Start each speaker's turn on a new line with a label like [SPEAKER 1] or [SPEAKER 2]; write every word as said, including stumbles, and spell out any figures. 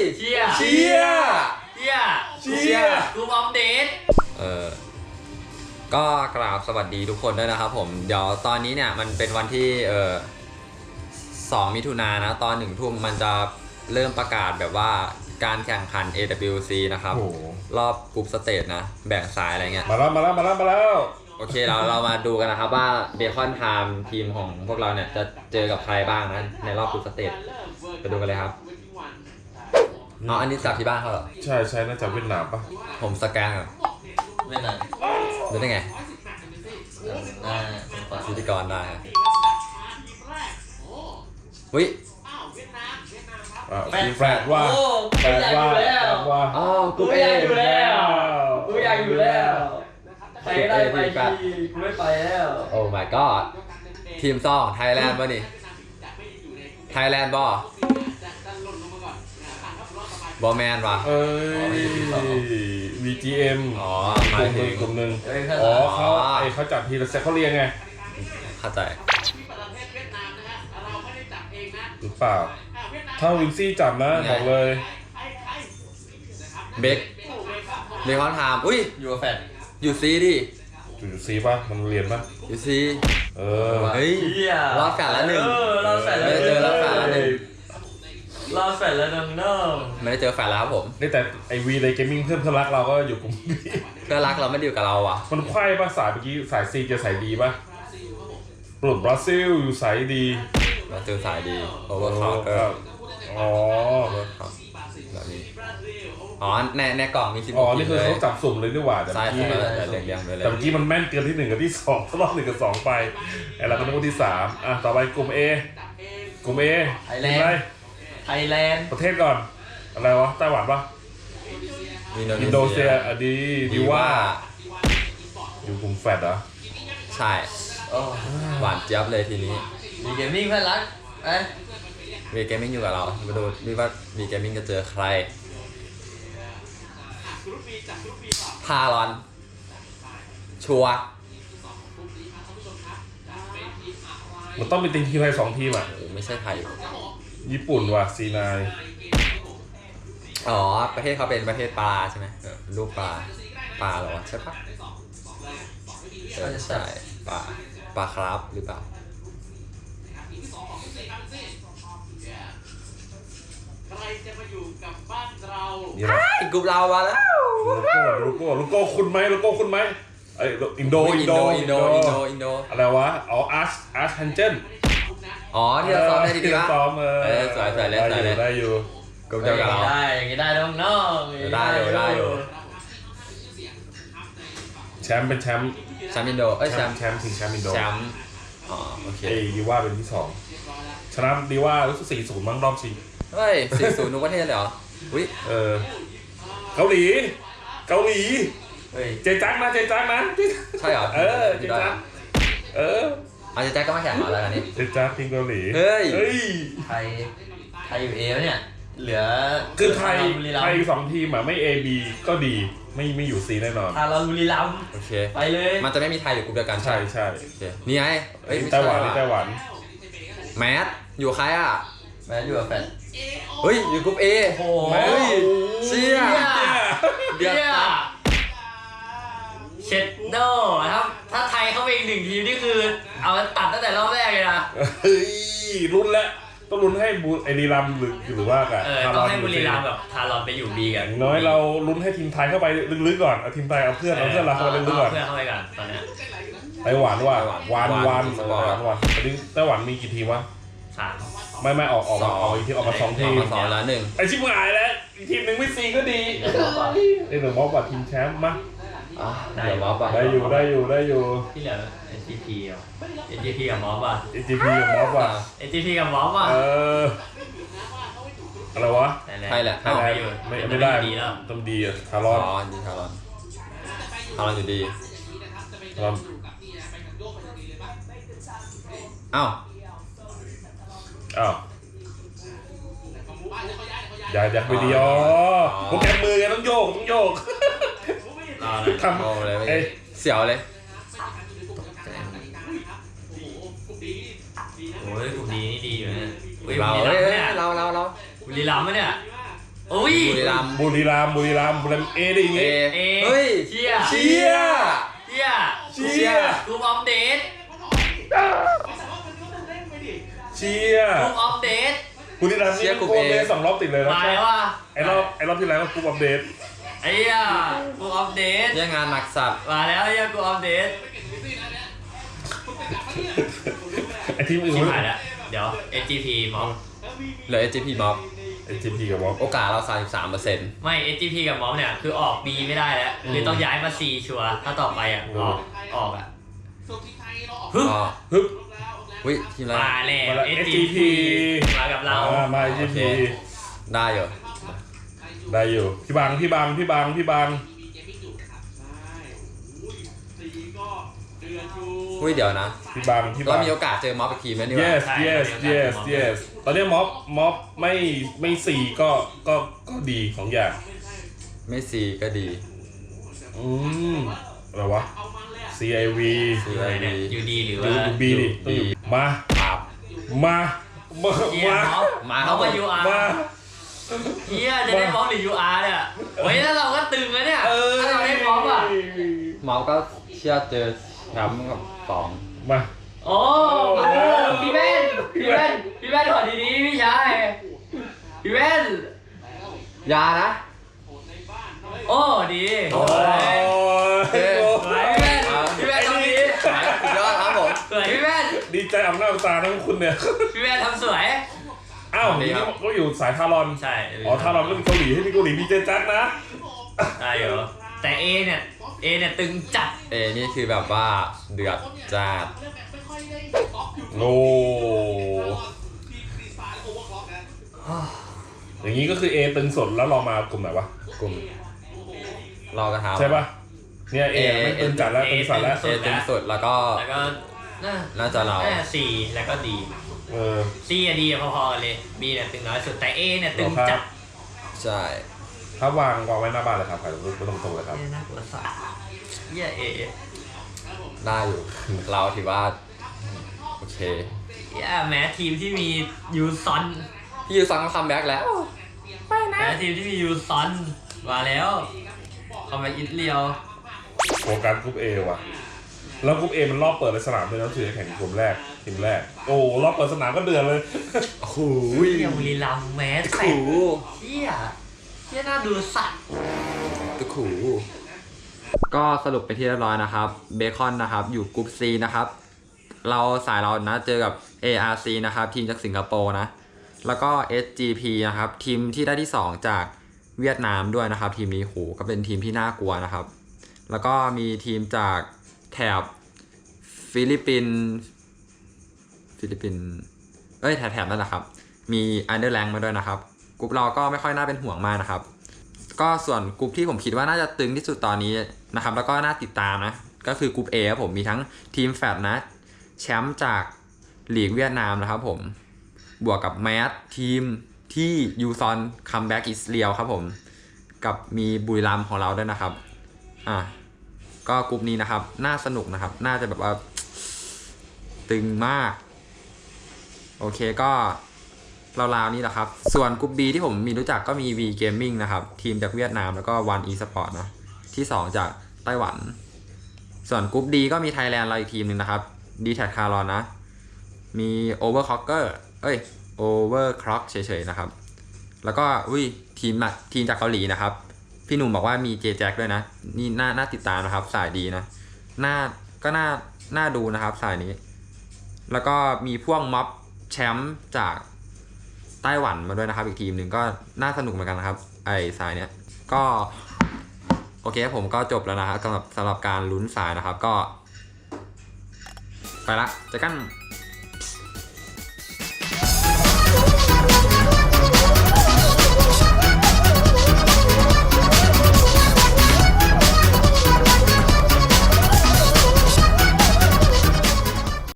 [SPEAKER 1] เชีย
[SPEAKER 2] เชีย
[SPEAKER 1] เชีย
[SPEAKER 2] เชีย
[SPEAKER 1] กูอัปเดต
[SPEAKER 3] เออก็กราบสวัสดีทุกคนด้วยนะครับผมเดี๋ยวตอนนี้เนี่ยมันเป็นวันที่เออสองมิถุนายนนะตอนหนึ่งทุ่มมันจะเริ่มประกาศแบบว่าการแข่งขัน เอ ดับเบิลยู ซี นะครับรอบกรุ๊ปสเตจนะแบ่งสายอะไรเงี้ย
[SPEAKER 2] มาแล้วมาแล้วมาแล้วมาแล้ว
[SPEAKER 3] โอเคเราเรามาดูกันนะครับว่าเบคอนไทม์ทีมของพวกเราเนี่ยจะเจอกับใครบ้างนะในรอบกรุ๊ปสเตจไปดูกันเลยครับอ๋ออันนี้จากที่บ้านเขาเหรอ
[SPEAKER 2] ใช่ใช่น่าจะเวียดนามปะ
[SPEAKER 3] ผมสแกนก่อน
[SPEAKER 1] เวียดนาม
[SPEAKER 3] ดูได้ไง
[SPEAKER 1] ได้
[SPEAKER 3] พิธีกรได้วิ
[SPEAKER 2] แปลกว่าแปลกว่าแปลกว่า
[SPEAKER 3] อ๋อกู
[SPEAKER 1] อยากอยู่แล้วกูอยากอยู่แล้วไปได้ไปทีกูไม่ไปแล้ว
[SPEAKER 3] โอ้ my god ทีมซองไทยแลนด์ป่ะนี่ไทยแลนด์บอบอแมนวะ
[SPEAKER 2] เอ้ย วี จี เอ็ม
[SPEAKER 3] อ๋อ
[SPEAKER 2] หมายถึงกลุ่มหนึ่งอ๋อเขาไอเขาจัดทีละเซตเขาเรียงไง
[SPEAKER 3] เข้าใจ
[SPEAKER 2] หรือเปล่าถ้าวินซี่จับนะบอกเลย
[SPEAKER 3] เบคเบคอนไทม์อุ้ย
[SPEAKER 1] อยู่กับแฟน
[SPEAKER 3] อยู่ซีดิ
[SPEAKER 2] อยู่ซีป่ะมันเรียนป่ะ
[SPEAKER 3] อยู่ซี
[SPEAKER 2] เออ
[SPEAKER 3] เฮ้ยรอดแฟนแล้วหนึ่ง
[SPEAKER 1] รอดแฟนแล้ว
[SPEAKER 3] ไม่ได้เจอรอดแฟนแล้วหนึ่ง
[SPEAKER 1] รอดแฟนแล้วหนึ่งเนาะ
[SPEAKER 3] ไม่ได้เจอแฟนแล้วครับผม
[SPEAKER 2] นี่แต่ไอวีเลยเกมมิ่งเพื่อนเพื่อนรักเราก็อยู่กลุ่มบี
[SPEAKER 3] เพื่อนรักเราไม่ดีกับเราอ่ะ
[SPEAKER 2] มันไขว้ป่ะสายเมื่อกี้สายซีจะสายดีป่ะปลุกบราซิลอยู่สายดี
[SPEAKER 3] บราซิลสายดีโอเวอร์คอร์เกอร์
[SPEAKER 2] อ๋อ
[SPEAKER 3] แบบนี้อ๋อในในกล่องมีสิบ
[SPEAKER 2] อ๋อนี่คือเขาจับสุ่มเลยดีกว่าแต่
[SPEAKER 3] เมื่อกี้
[SPEAKER 2] แต่เมื่อกี้มันแม่นเกินที่หนึ่งกับที่สองรอบหนึ่งกับสองไปไอ้เราก็นึกว่าที่สามอ่ะต่อไปกลุ่ม A กลุ่ม A
[SPEAKER 1] ไทยแลนด์ไทยแลนด์
[SPEAKER 2] ประเทศก่อนอะไรวะไต้หวันปะอินโดนีเซียอดีดีว่าอยู่กลุ่มแฟดเหรอ
[SPEAKER 3] ใช่หวานเจี๊ยบเลยทีนี้
[SPEAKER 1] มีเกมมิ่งเพื่อนรักเอ้ย
[SPEAKER 3] วีเกมมิ่งอยู่กับเรามาดูดิว่าวีเกมมิ่งจะเจอใครพารอนชัว
[SPEAKER 2] มันต้องเป็นทีมไทยสองทีมอ่ะ
[SPEAKER 3] ไม่ใช่ไทย
[SPEAKER 2] ญี่ปุ่นว่ะซีนาย
[SPEAKER 3] อ๋อประเทศเขาเป็นประเทศปลาใช่ไหมรูปปลาปลาเหรอใช่ปะใช่ใช่ปลาปลาครับหรือเปล่า
[SPEAKER 4] ใครจะมาอยู่กับบ้านเรา
[SPEAKER 3] อีกกลุ่มเรามาแล้ว
[SPEAKER 2] โลโก้โลโก้โลโก้คุณไหมโลโก้คุณไหมไออินโด
[SPEAKER 3] อินโดอินโดอินโดอินโด
[SPEAKER 2] อะไรวะอ๋ออาร์ชอาร์ชฮันเจน
[SPEAKER 3] อ๋อที่เราซ้อมได้ดี
[SPEAKER 2] ๆซ้อมเออ
[SPEAKER 3] สวยสวยเล่นสวยเล่น
[SPEAKER 2] ได้อยู่
[SPEAKER 3] กลุ่มเดียวกับเรา
[SPEAKER 1] ได้อย่างนี้ได้น้องน้อง
[SPEAKER 3] ได้อยู่ได้อยู่
[SPEAKER 2] แชมป์เป็นแชมป์
[SPEAKER 3] แชมป์อินโดเอ้ยแชมป์
[SPEAKER 2] แชมป์ถึงแชมป์อินโด
[SPEAKER 3] แชมป์อ๋อโอเค
[SPEAKER 2] เอดีว่าเป็นที่สองชนะดีว่ารู้สึกสี่ศูนย์มั้งรอบชิง
[SPEAKER 3] เฮ้ยสี่ศูนย์ทุกประเทศเลยเหรออุ้ย
[SPEAKER 2] เออเกาหลีเกาหลีเจจังนะเจจังนะ
[SPEAKER 3] ใช่เหรอ
[SPEAKER 2] เออเจจังเออ
[SPEAKER 3] เอาเจจังก็มาแข่งอะไรกันนี่
[SPEAKER 2] เจจังทีมเกาหลี
[SPEAKER 3] เฮ้ย
[SPEAKER 1] ไทยไทยอยู่เอแล้วเนี่ยเหลือ
[SPEAKER 2] คือไทยไทยสองทีมอ่ะไม่ A B ก็ดีไม่ไม่อยู่ C แน่นอน
[SPEAKER 1] ถ้าเราบุรีรัมย์
[SPEAKER 3] โอเค
[SPEAKER 1] ไปเลย
[SPEAKER 3] มันจะไม่มีไทยอยู่กลุ่มเดียวกัน
[SPEAKER 2] ใช่ใช่
[SPEAKER 3] นี่ไง
[SPEAKER 2] เอ้ยไต้หวันนี่ไต้หวัน
[SPEAKER 3] แมสอยู่ใครอ่ะ
[SPEAKER 1] แมสอยู่กับแฟน
[SPEAKER 3] เฮ้ยอยู่กลุ่ม A
[SPEAKER 1] โอ้
[SPEAKER 3] โหเชี่ย
[SPEAKER 1] เดี๋ยวเช็ดโน่ครับถ้าไทยเข้าไปอีกหนึ่งทีมนี่คือเอาตัดตั้งแต่รอบแรกเลยนะ
[SPEAKER 2] เฮ้ยลุ้นแล้วต้องลุ้นให้บุรีรัมย์หรือหรือว่ากัน
[SPEAKER 1] เออต้องให้บุรีรัมย์แบบทารอนไปอยู่บีกัน
[SPEAKER 2] น้อยเราลุ้นให้ทีมไทยเข้าไปลึกๆก่อนเอาทีมไทยเอาเพื่อนเอาเพื่อนเราเข้าไปลึกๆก่อน
[SPEAKER 1] เพื่อนเข้าไปก่อนตอนนี้
[SPEAKER 2] ไต้หวันว่ะวานวานวานวานตอนนี้ไต้หวันมีกี่ทีมวะ
[SPEAKER 1] สาม
[SPEAKER 2] ไม่ไม่ออกออกออกอีกทีออกมาสองทีม
[SPEAKER 3] สองแล้วหนึ่ง
[SPEAKER 2] ไอชิบหายแล้วอีกทีมหนึ่งไม่ซีก็ดีไอหนึ่งมอบบัตรทีมแชมป์มั้ย
[SPEAKER 3] ได้มอบ
[SPEAKER 2] ได้อยู่ได้อยู่ได้อยู่
[SPEAKER 1] ที่เหลือ เอ็น จี พี อ่ะ เอ็น จี พี กับมอบอ่ะ
[SPEAKER 2] เอ็น จี พี กับมอบอ่ะ
[SPEAKER 1] เอ็น จี พี กับมอบอ่ะ
[SPEAKER 2] เอออะไรวะ
[SPEAKER 3] ไทยแหละ
[SPEAKER 2] ไทยแลนด์ไม่ไม่ได้ต้องดีอ่ะทารอน
[SPEAKER 3] อ๋อดีทารอนทารอนอยู่ดี
[SPEAKER 2] ทารอน
[SPEAKER 3] อ้าว
[SPEAKER 2] อ้าวอย่าอย่าไปดีอ๋อโปรแกรมมือไงต้องโยกต้องโยก
[SPEAKER 3] ทำเลยเสียวเลย
[SPEAKER 1] โอ้ยกลุ่มดีนี่ดีอยู่เนี่ย
[SPEAKER 3] เราเราเราเรา
[SPEAKER 1] บุรีรัมย์เนี่ยอุ้ย
[SPEAKER 3] บุรีรัมย์
[SPEAKER 2] บุรีรัมย์บุรีรัมย์บุรีรัมย์เอดิ
[SPEAKER 3] เอ
[SPEAKER 2] งี้
[SPEAKER 1] เอ
[SPEAKER 3] เฮ้ย
[SPEAKER 1] เชีย
[SPEAKER 3] เชีย
[SPEAKER 1] เชีย
[SPEAKER 2] เชีย
[SPEAKER 1] กลุ่มอัปเดต
[SPEAKER 2] เชีย
[SPEAKER 1] กลุ่มอัปเดต
[SPEAKER 2] บุรีรัมย์นี่กรุ๊ปอัปเดตสองรอบติดเลยนะ
[SPEAKER 1] มาแล้วว่ะ
[SPEAKER 2] ไอ้รอบไอ้รอบที่แล้วก็กรุ๊ปอัปเดต
[SPEAKER 1] ไอ้เหี้ยกลุ่มอัปเดต
[SPEAKER 3] เชี่ยงานหนักสัตว์
[SPEAKER 1] มาแล้วไอ้เหี้ยกลุ่มอัปเดต
[SPEAKER 2] ไอ้ทีมอื่น
[SPEAKER 1] ชิบ
[SPEAKER 2] ไม่
[SPEAKER 1] หายแล้วเดี๋ยว เอส จี พี ม็อบ
[SPEAKER 3] เหลือ เอส จี พี ม็อบ
[SPEAKER 2] ไอ้จีพีกับวอล
[SPEAKER 3] โอกาสเรา สามสิบสามเปอร์เซ็นต์
[SPEAKER 1] ไม่ เอส จี พี กับม็อบเนี่ยคือออก B ไม่ได้แล้วคือต้องย้ายมา C ชัวร์ถ้าต่อไปอ่ะออกออกอ่ะ
[SPEAKER 3] ก็
[SPEAKER 2] ฮึบ
[SPEAKER 3] วิทีมอะไร
[SPEAKER 1] มาแล้ว
[SPEAKER 2] มาแล้ว
[SPEAKER 1] เอส
[SPEAKER 2] เอส
[SPEAKER 1] จี
[SPEAKER 2] จี
[SPEAKER 1] พี มากับเรา
[SPEAKER 2] อ่ามาจีพี
[SPEAKER 3] ได้อยู่
[SPEAKER 2] ได้อยู่พี่บางพี่บางพี่บางพี่บาง
[SPEAKER 3] อุ้ยเดี๋ยวนะ
[SPEAKER 2] พี่บางพี่
[SPEAKER 3] เรา
[SPEAKER 2] บาง
[SPEAKER 3] มีโอกาสเจอม็อบอีกทีมแล้วนี่หว่า
[SPEAKER 2] yes
[SPEAKER 1] ใช่
[SPEAKER 2] yes
[SPEAKER 1] เดี๋ยว
[SPEAKER 2] yes
[SPEAKER 1] เดี๋ยว
[SPEAKER 2] yes ตอนนี้ม็อบม็อบไม่ไม่สี่ก็ก็ก็ดีของอย่าง
[SPEAKER 3] ไม่ซีก็ดี
[SPEAKER 2] อืมอะไรวะ ซี ไอ วี
[SPEAKER 1] อะไรเนี่ยยูดีหรือ
[SPEAKER 2] ดู
[SPEAKER 1] ว่า
[SPEAKER 2] ดูบีดิต้องอยู่มา
[SPEAKER 3] ครับ
[SPEAKER 2] มามา
[SPEAKER 1] เฮีย
[SPEAKER 2] มา
[SPEAKER 1] ม็อบ
[SPEAKER 3] มาค
[SPEAKER 1] ม็
[SPEAKER 3] รั
[SPEAKER 1] อ
[SPEAKER 3] บบ ผม
[SPEAKER 1] กับยูอาร์
[SPEAKER 2] มา
[SPEAKER 1] เฮียจะได้ม็อบหรือยูอาร์เนี่ยเฮ้ยถ้าเราก็ตึงแล้วเนี่ย
[SPEAKER 2] เออ
[SPEAKER 1] ถ้าเราได้ม็อบอ่ะ
[SPEAKER 3] ม็อบก็เชื่อเจอแชมป์กับสอง
[SPEAKER 2] มา
[SPEAKER 1] โอ้พี่แว่นพี่แว่นพี่แว่นขอดีๆพี่ชายพี่แว่น
[SPEAKER 3] ยานะ
[SPEAKER 1] โอ้ดี
[SPEAKER 2] โอ้
[SPEAKER 1] สวย
[SPEAKER 2] ย
[SPEAKER 1] สวยพี่แว่นพี่แว่นทำดี
[SPEAKER 3] สุดยอดครับผม
[SPEAKER 1] สวยพี่แว่น
[SPEAKER 2] ดีใจอำนาจตาทั้งคุณเนี่ย
[SPEAKER 1] พี่แว่นทำสวย
[SPEAKER 2] อ้าวนี่ก็อยู่สายทารอน
[SPEAKER 1] ใช่
[SPEAKER 2] อ๋อทารอนก็มีเกาหลีให้มีเกาหลีมีเจจักนะ
[SPEAKER 1] ได้อยู่แต่เอเนี่ยเอเนี่ยตึงจัด
[SPEAKER 3] เอนี่คือแบบว่าเดือดจัด
[SPEAKER 2] โอ้อย่างนี้ก็คือ A ตึงสดแล้วเรามากลุ่มไหนวะ
[SPEAKER 3] กลุ่มรอกระทา
[SPEAKER 2] ใช่ปะเนี่ย A ไม่ตึงจัดแล้วตึงสัดแล้ว
[SPEAKER 3] เอตึงสุดแล้วก็
[SPEAKER 1] แล้วก็น่า
[SPEAKER 3] น่าจะเรา
[SPEAKER 1] น่าซีแล้วก็ดี
[SPEAKER 2] เออ
[SPEAKER 1] ซีอะดีพอๆกันเลยบีเนี่ยตึงน้อยสุดแต่เอเนี่ยตึงจัด
[SPEAKER 3] ใช่
[SPEAKER 2] ถ้าวางวางไว้หน้าบ้านเลยครับใครไม่ต้องตรงๆเลยครับ
[SPEAKER 1] เอน่ากลัวสัสเหี้ยเอ
[SPEAKER 3] ได้อยู่ เราถือว่าโอเค
[SPEAKER 1] เหี้ยแม้ทีมที่มียูซอน
[SPEAKER 3] พี่ยูซังก็คัมแบ็กแล้ว
[SPEAKER 1] แม้ทีมที่มียูซอนมาแล้วคอมแบ็กอิตเลียว
[SPEAKER 2] โฟกัสกรุ๊ป A ว่ะแล้วกรุ๊ป A มันรอบเปิดในสนามเลยนะถือแข่งกลุ่มแรกทีมแรกโอ้รอบเปิดสนามก็เดือดเลย
[SPEAKER 3] โอ้โห
[SPEAKER 1] เหี้ยบุรีรัมย์แม้แต
[SPEAKER 3] ขู่
[SPEAKER 1] กเหี้ยเหี้ยน่าดูสัตว์
[SPEAKER 3] ตะขู่ก็สรุปไปที่เรียบร้อยนะครับเบคอนนะครับอยู่กลุ่ม C นะครับเราสายเรานะเจอกับ เอ อาร์ ซี นะครับทีมจากสิงคโปร์นะแล้วก็ เอส จี พี นะครับทีมที่ได้ที่สองจากเวียดนามด้วยนะครับทีมนี้โหก็เป็นทีมที่น่ากลัวนะครับแล้วก็มีทีมจากแถบฟิลิปปินส์ฟิลิปปินส์เอ้ยแถบๆนั่นแหละครับมีอันเดอร์แลงมาด้วยนะครับกลุ่มเราก็ไม่ค่อยน่าเป็นห่วงมากนะครับก็ส่วนกลุ่มที่ผมคิดว่าน่าจะตึงที่สุดตอนนี้นะครับแล้วก็น่าติดตามนะก็คือกลุ่ม A ครับผมมีทั้งทีมแฟดนะแชมป์จากลีกเวียดนามนะครับผมบวกกับแมสทีมที่ยูซอนคัมแบ็กอิสเรียลครับผมกับมีบุรีรัมย์ของเราด้วยนะครับอ่ะก็กลุ่มนี้นะครับน่าสนุกนะครับน่าจะแบบว่าตึงมากโอเคก็ราวๆนี้แหละครับส่วนกลุ่ม B ที่ผมมีรู้จักก็มี V Gaming นะครับทีมจากเวียดนามแล้วก็ One Esport นะที่สองจากไต้หวันส่วนกลุ่ม D ก็มีไทยแลนด์เราอีกทีมหนึ่งนะครับ D Tag Caron นะมี Overclocker เอ้ย Overclock เฉยๆนะครับแล้วก็อุ้ยทีมทีมจากเกาหลีนะครับพี่หนุ่มบอกว่ามี J Jack ด้วยนะนี่น่าน่าติดตามนะครับสายดีนะน่าก็น่าน่าดูนะครับสายนี้แล้วก็มีพวกม็อบแชมป์จากไต้หวันมาด้วยนะครับอีกทีมหนึ่งก็น่าสนุกเหมือนกันนะครับไอสายเนี้ยก็โอเคผมก็จบแล้วนะครับสำหรับสำหรับการลุ้นสายนะครับก็ไปละเจอกัน